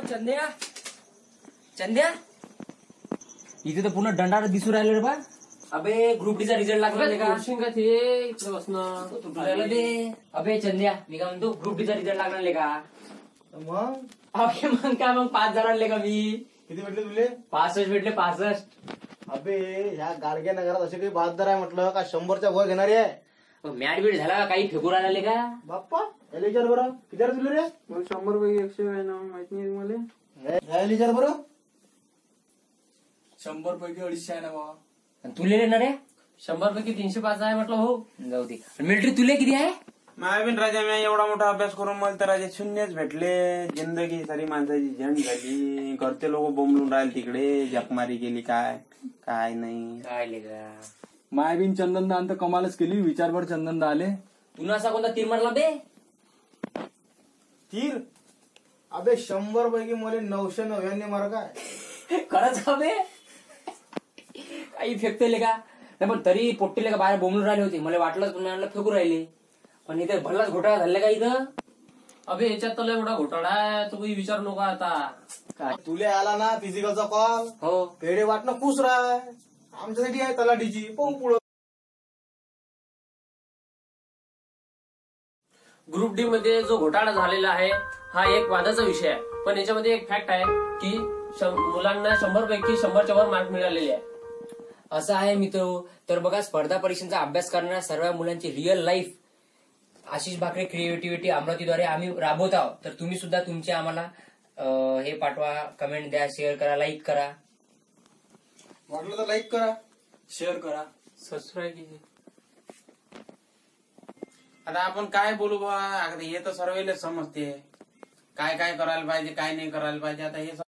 चंद्या चंद्या इथे तर पुन्हा दंडार दिसू राहिलं रे बा. अबे ग्रुप डी चा रिझल्ट लागला नाही का? इकडे बसणं तुटलेलं बे. अबे चंद्या मी काय म्हणतो ग्रुप डी चा रिझल्ट लागला नाही का? मग अबे मग काय मग 5 जणांले का मी किती भेटले तुले? 65 भेटले 65. अबे ह्या गाडग्या नगरात असे काही बहादर आहे म्हटलं का 100च्या वर घेणारी आहे. मॅट बीट झाला का? काही फेकून आले का? बाप्पा याला विचार बरं किती रे तुले रे? मग 100 पैकी 100 आहे ना, माहित नाही मला. याला विचार बरं 100 पैकी 250 आहे ना बाबा. आणि तुले येणार आहे 100 पैकी 305 आहे म्हटलं. हो जाऊ दे. मिलिटरी तुले किती आहे? मायाबीन राजा मी एवढा मोठा अभ्यास करून मला तर राजा शून्यच भेटले. जिंदगी सारी माणसाची झंड झाली. घरचे लोक बोंबलून राहिले तिकडे. जपमारी केली काय काय नाही. काय लेगा मायाबीन चंदनदा तर कमालच केली. विचारभर चंदनदा आले. तुला असा कोणता तीर मारला बे? तीर अबे 100 पैकी मला 999 मार्क आहे. खरंच का बे? काही फेकते का नाही? पण तरी पोट्टीले का बाहेर बोंबलून राहिले होते. मला वाटलं तुम्हाला फेकू राहिले. पण इथे भल्लाच घोटाळा झाला का इथं? अबे याच्यात तर लय मोठा घोटाळा आहे. तो काही विचार नको आता. काय तुले आला ना फिजिकलचा कॉल हो पेढे वाटणं खुश राह. आमच्यासाठी आहे तलाठीची पाहू पुढं. ग्रुप डी मध्ये जो घोटाळा झालेला आहे हा एक वादाचा विषय आहे. पण याच्यामध्ये एक फॅक्ट आहे की मुलांना 100 पैकी 100च्या वर मार्क मिळालेले आहे. असं आहे मित्र. तर बघा स्पर्धा परीक्षांचा अभ्यास करणाऱ्या सर्व मुलांची real life Ashish Bhakre creativity अमरावतीद्वारे आम्ही राबवत आहोत. तर तुम्ही सुद्धा तुमचे आम्हाला हे पाठवा, कमेंट द्या, शेअर करा, लाईक करा. वाटलं तर लाईक करा. शेअर करा, सबस्क्राईब कीजिए. आता आपण काय बोलू बा. हे तर सर्वेला समजते काय काय करायला पाहिजे काय नाही करायला पाहिजे. आता हे